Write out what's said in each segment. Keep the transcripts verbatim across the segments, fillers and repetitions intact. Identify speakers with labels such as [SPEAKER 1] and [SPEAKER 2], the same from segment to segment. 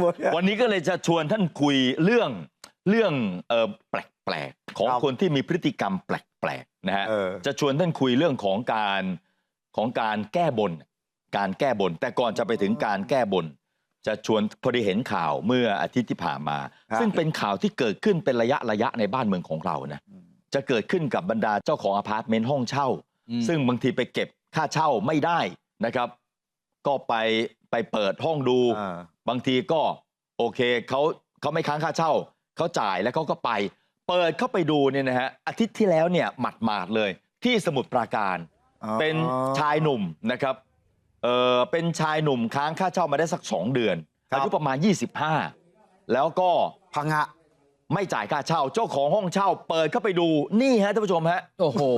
[SPEAKER 1] วันนี้ก็เลยจะชวนท่านคุยเรื่องเรื่องเอ่อแปลกๆของคนที่มีพฤติกรรมแปลกๆนะฮะจะชวนท่านคุยเรื่องของการของการแก้บนการแก้บนแต่ก่อนจะไปถึงการแก้บนจะชวนพอดีเห็นข่าวเมื่ออาทิตย์ที่ผ่านมาซึ่งเป็นข่าวที่เกิดขึ้นเป็นระยะระยะในบ้านเมืองของเรานะจะเกิดขึ้นกับบรรดาเจ้าของอพาร์ตเมนต์ห้องเช่าซึ่งบางทีไปเก็บค่าเช่าไม่ได้นะครับก็ไปไปเปิดห้องดูบางทีก็โอเคเขาเขาไม่ค้างค่าเช่าเขาจ่ายแล้วเขาก็ไปเปิดเข้าไปดูเนี่ยนะฮะอาทิตย์ที่แล้วเนี่ยหมาดๆเลยที่สมุทรปราการเป็นชายหนุ่มนะครับเออเป็นชายหนุ่มค้างค่าเช่ามาได้สักสองเดือนอายุประมาณยี่สิบห้าแล้วก็
[SPEAKER 2] พังะ
[SPEAKER 1] ไม่จ่ายค่าเช่าเจ้าของห้องเช่าเปิดเข้าไปดูนี่ฮะท่านผู้ชมฮะ
[SPEAKER 2] โอ้โห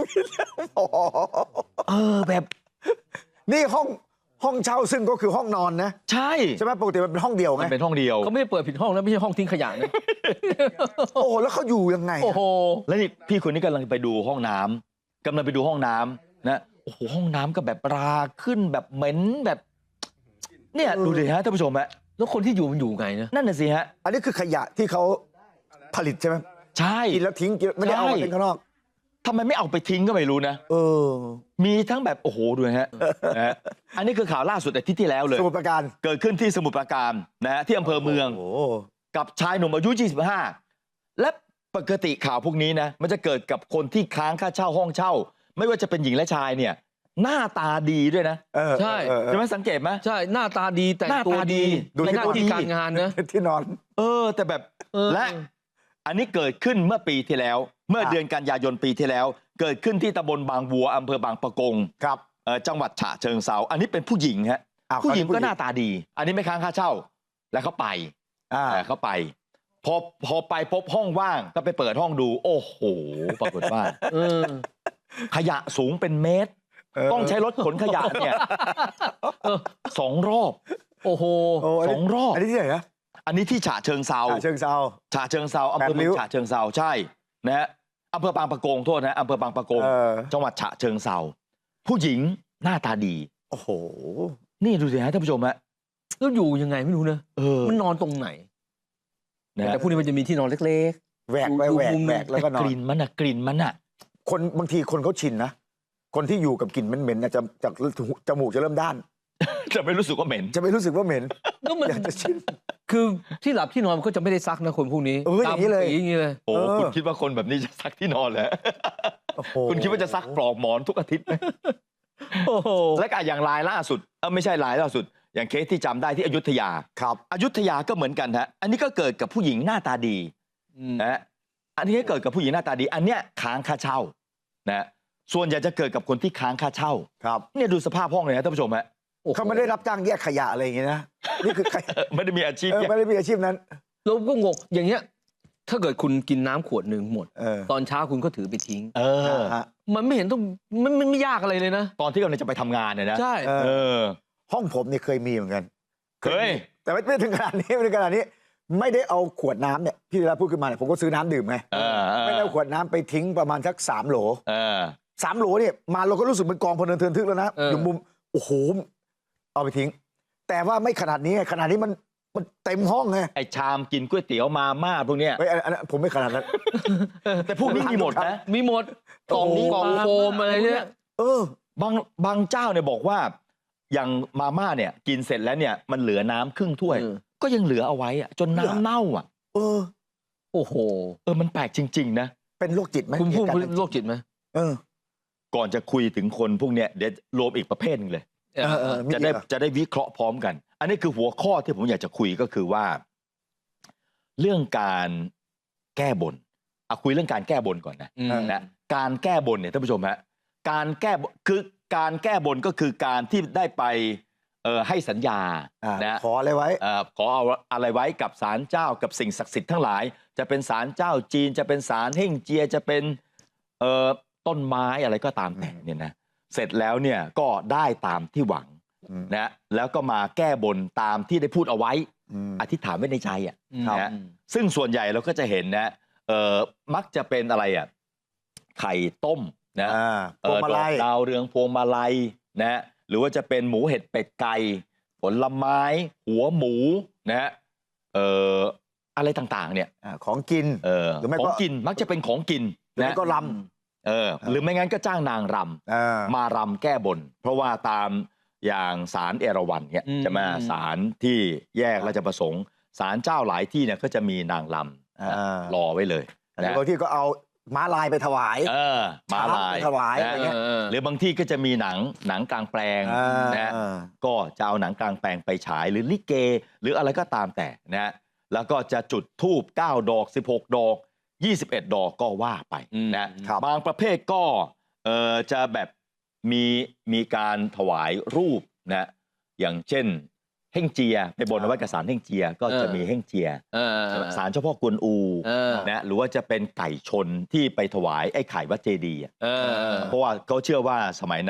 [SPEAKER 1] เออแบบ
[SPEAKER 2] นี่ห้องห้องเช่าซึ่งก็คือห้องนอนนะ
[SPEAKER 1] ใช่
[SPEAKER 2] ใช่ไหมปกติมันเป็นห้องเดียวไง
[SPEAKER 1] มันเป็นห้องเดียว
[SPEAKER 3] เขาไม่ได้เปิดผิดห้องนะไม่ใช่ห้องทิ้งขยะนะ
[SPEAKER 2] โอ้แล้วเขาอยู่ยังไง
[SPEAKER 3] โอ้โห
[SPEAKER 1] แล้วนี่พี่คนนี้กำลังไปดูห้องน้ำกำลังไปดูห้องน้ำนะโอ้โหห้องน้ำก็แบบราขึ้นแบบเหม็นแบบเนี่ยดูดิฮะท่านผู้ชมฮะ
[SPEAKER 3] แล้วคนที่อยู่มันอยู่ไงนะ
[SPEAKER 1] นั่นน่ะสิฮะ
[SPEAKER 2] อันนี้คือขยะที่เขาผลิตใช่ไหม
[SPEAKER 1] ใช่
[SPEAKER 2] กินแล้วทิ้งไม่ได้เอาไปข้างนอก
[SPEAKER 1] ทำไมไม่เอาไปทิ้งก็ไม่รู้นะ
[SPEAKER 2] เออ
[SPEAKER 1] มีทั้งแบบโอ้โหดูนะฮะนะฮะอันนี้คือข่าวล่าสุดอาทิตย์ที่แล้วเลย
[SPEAKER 2] สมุทรปราการ
[SPEAKER 1] เกิดขึ้นที่สมุทรปราการนะฮะที่อำเภอเมืองกับชายหนุ่มอายุยี่สิบห้าและปกติข่าวพวกนี้นะมันจะเกิดกับคนที่ค้างค่าเช่าห้องเช่าไม่ว่าจะเป็นหญิงและชายเนี่ยหน้าตาดีด้วยนะ
[SPEAKER 3] ใช่
[SPEAKER 1] ใช่ไหมสังเกตไหม
[SPEAKER 3] ใช่หน้าตาดีแต่งตัวดีในหน้าที่การงานนะ
[SPEAKER 2] ที่นอน
[SPEAKER 1] เออแต่แบบและอันนี้เกิดขึ้นเมื่อปีที่แล้วเมื่อเดือนกันยายนปีที่แล้วเกิดขึ้นที่ตำบลบางบัวอำเภอบางปะกง
[SPEAKER 2] ครับ
[SPEAKER 1] จังหวัดฉะเชิงเทราอันนี้เป็นผู้หญิงฮะผู้หญิงก็หน้าตาดีอันนี้ไม่ค้างค่าเช่าแล้วเขาไปเขาไปพอพอไปพบห้องว่างก็ไปเปิดห้องดูโอ้โหปรากฏว่าขยะสูงเป็นเมตรต้องใช้รถขนขยะเนี่ยสองรอบ
[SPEAKER 3] โอ้โห
[SPEAKER 1] สองรอบ
[SPEAKER 2] อันนี้ที่ไหนนะ
[SPEAKER 1] อันนี้ที่ฉะเชิงเทรา
[SPEAKER 2] ฉะเชิงเทรา
[SPEAKER 1] ฉะเชิงเทราอำเภอเมืองฉะเชิงเทราใช่นะฮะอำเภอบางปะกงโทษนะอำเภอบางปะกงจังหวัดฉะเชิงเทราผู้หญิงหน้าตาดี
[SPEAKER 2] โอ้โห
[SPEAKER 1] นี่ดูสิฮะท่านผู้ชมฮะ
[SPEAKER 3] แล้วอยู่ยังไงไม่รู้นะมันนอนตรงไหนแต่พวกนี้มันจะมีที่นอนเล็ก
[SPEAKER 2] ๆแหวกไปแหวกแหวกแล้วก็นอน
[SPEAKER 1] กลิ่นมันอะกลิ่นมันอะ
[SPEAKER 2] คนบางทีคนเขาชินนะคนที่อยู่กับกลิ่นเหม็นๆจะจากจมูกจะเริ่มด้าน
[SPEAKER 1] จะไม่รู้สึกว่าเหม็น
[SPEAKER 2] จะไม่รู้สึกว่าเหม็น
[SPEAKER 3] ก็มันจะชินคือที่หลับที่นอนมันก็จะไม่ได้ซักนะคนพวกนี้
[SPEAKER 2] เอออย่างนี้เลย
[SPEAKER 3] อย่างนี้เลย
[SPEAKER 1] โอ้คุณคิดว่าคนแบบนี้จะซักที่นอนเหรอคุณคิดว่าจะซักปลอกหมอนทุกอาทิตย์ไหม
[SPEAKER 3] โอ้โห
[SPEAKER 1] และก็อย่างรายล่าสุดเออไม่ใช่รายล่าสุดอย่างเคสที่จำได้ที่อยุธยา
[SPEAKER 2] ครับ
[SPEAKER 1] อยุธยาก็เหมือนกันฮะอันนี้ก็เกิดกับผู้หญิงหน้าตาดีนะอันนี้ก็เกิดกับผู้หญิงหน้าตาดีอันเนี้ยค้างค่าเช่านะส่วนใหญ่จะเกิดกับคนที่ค้างค่าเช่า
[SPEAKER 2] ครับ
[SPEAKER 1] เนี่ยดูสภาพห้องเลยนะท่านผู้ชมฮะ
[SPEAKER 2] เขาไม่ได้รับจ้างแยกขยะอะไรอย่างเงี้ยนะนี่คือ
[SPEAKER 1] ไม่ได้มีอาชีพ
[SPEAKER 2] ไม่ได้มีอาชีพนั้น
[SPEAKER 3] เราก็งงอย่างเงี้ยถ้าเกิดคุณกินน้ำขวดหนึ่งหมดตอนเช้าคุณก็ถือไปทิ้ง
[SPEAKER 1] เออ
[SPEAKER 3] มันไม่เห็นต้องมันไม่ยากอะไรเลยนะ
[SPEAKER 1] ตอนที่กำลังจะไปทำงานเนี่ยนะ
[SPEAKER 3] ใช่
[SPEAKER 1] เออ
[SPEAKER 2] ห้องผมเนี่ยเคยมีเหมือนกัน
[SPEAKER 1] เคย
[SPEAKER 2] แต่ไม่ถึงขนาดนี้ไม่ถึงขนาดนี้ไม่ได้เอาขวดน้ำเนี่ยพี่เวลาพูดขึ้นมาเนี่ยผมก็ซื้อน้ำดื่มไงไม่ได้เอาขวดน้ำไปทิ้งประมาณสักสามโหลสามโหลเนี่ยมาเราก็รู้สึกเป็นกองพลเนินเทินทึกแล้วนะอยู่มุมโอ้โหเอาไปทิ้งแต่ว่าไม่ขนาดนี้ขนาดนี้มันมันเต็มห้องไง
[SPEAKER 1] ไอชามกินก๋วยเตี๋ยวมาม่าพวกเนี้ย
[SPEAKER 2] ไอ้อันนั้นผมไม่ขนาดนั้น
[SPEAKER 1] แต่พวกนี้มีหมดนะ
[SPEAKER 3] มีหมดกล่องกล่องโฟมอะไรเนี่ย
[SPEAKER 1] เออบางบางเจ้าเนี่ยบอกว่าอย่างมาม่าเนี่ยกินเสร็จแล้วเนี่ยมันเหลือน้ำครึ่งถ้วยก็ยังเหลือเอาไว้อะจนน้ำเน่าอ่ะ
[SPEAKER 2] เออ
[SPEAKER 3] โอ้โห
[SPEAKER 1] เออมันแปลกจริงๆนะ
[SPEAKER 2] เป็นโรคจิตไหม
[SPEAKER 3] คุณพูดโรคจิตไหม
[SPEAKER 2] เออ
[SPEAKER 1] ก่อนจะคุยถึงคนพวกเนี้ยเดี๋ยวรวมอีกประเภทนึงเลยจะได้จะได้วิเคราะห์พร้อมกันอันนี้คือหัวข้อที่ผมอยากจะคุยก็คือว่าเรื่องการแก้บนเอาคุยเรื่องการแก้บนก่อนนะนะการแก้บนเนี่ยท่านผู้ชมฮะการแก้คือการแก้บนก็คือการที่ได้ไปเอ่อให้สัญญานะ
[SPEAKER 2] ขออะไรไว้
[SPEAKER 1] ขอเอาอะไรไว้กับศาลเจ้ากับสิ่งศักดิ์สิทธิ์ทั้งหลายจะเป็นศาลเจ้าจีนจะเป็นศาลเฮ่งเจียจะเป็นเอ่อต้นไม้อะไรก็ตามแต่เนี่ยนะเสร็จแล้วเนี่ยก็ได้ตามที่หวังนะแล้วก็มาแก้บนตามที่ได้พูดเอาไว้อธิษฐานไว้ในใจอ่ะนะซึ่งส่วนใหญ่เราก็จะเห็นนะเออมักจะเป็นอะไรอ่ะไข่ต้มนะ
[SPEAKER 2] พวงมาลัย
[SPEAKER 1] ดาวเรืองพวงมาลัยนะหรือว่าจะเป็นหมูเห็ดเป็ดไก่ผลไม้หัวหมูนะฮะเอ่ออะไรต่างๆเนี่ย
[SPEAKER 2] อ่าของกิน
[SPEAKER 1] เออ
[SPEAKER 2] หรือไม่
[SPEAKER 1] ข
[SPEAKER 2] ก็
[SPEAKER 1] องกินมักจะเป็นของกิน
[SPEAKER 2] หรือ
[SPEAKER 1] นะ
[SPEAKER 2] ไม่ก็ล
[SPEAKER 1] เออหรือไม่งั้นก็จ้างนางร
[SPEAKER 2] ำอ่า
[SPEAKER 1] ำมารำแก้บน เพราะว่าตามอย่างศาลเอราวัณเนี่ย
[SPEAKER 3] อืม
[SPEAKER 1] จะมาศาลที่แยกราชประสงค์ศาลเจ้าหลายที่เนี่ยก็จะมีนางรำ
[SPEAKER 2] อ่า
[SPEAKER 1] รอไว้เลย
[SPEAKER 2] แต่
[SPEAKER 1] นะ
[SPEAKER 2] บางที่ก็เอาม้าลายไปถวาย
[SPEAKER 1] เออมาลาย
[SPEAKER 2] ช้างไปถวายอะไรเงี้ย
[SPEAKER 3] เออ
[SPEAKER 1] หรือบางที่ก็จะมีหนังหนังกลางแปลง
[SPEAKER 2] อ่า
[SPEAKER 1] นะก็จะเอาหนังกลางแปลงไปฉายหรือลิเก หรืออะไรก็ตามแต่นะแล้วก็จะจุดธูปเก้าดอกสิบหกดอกยี่สิบเอ็ดดอกก็ว่าไป
[SPEAKER 3] อืม
[SPEAKER 1] นะครับ บางประเภทก็เออจะแบบมีมีการถวายรูปนะอย่างเช่นเฮ่งเจียไปบนเอาไว้กับศาลเฮ่งเจียก็จะมีเฮ่งเจีย
[SPEAKER 3] เออ
[SPEAKER 1] ศาลเจ้าพ่อกวนอู
[SPEAKER 3] เออ
[SPEAKER 1] นะหรือว่าจะเป็นไก่ชนที่ไปถวายไอ้ไข่วัดเจดีย์อะ
[SPEAKER 3] เออ
[SPEAKER 1] เพราะว่าเขาเชื่อว่าสมัยนั้น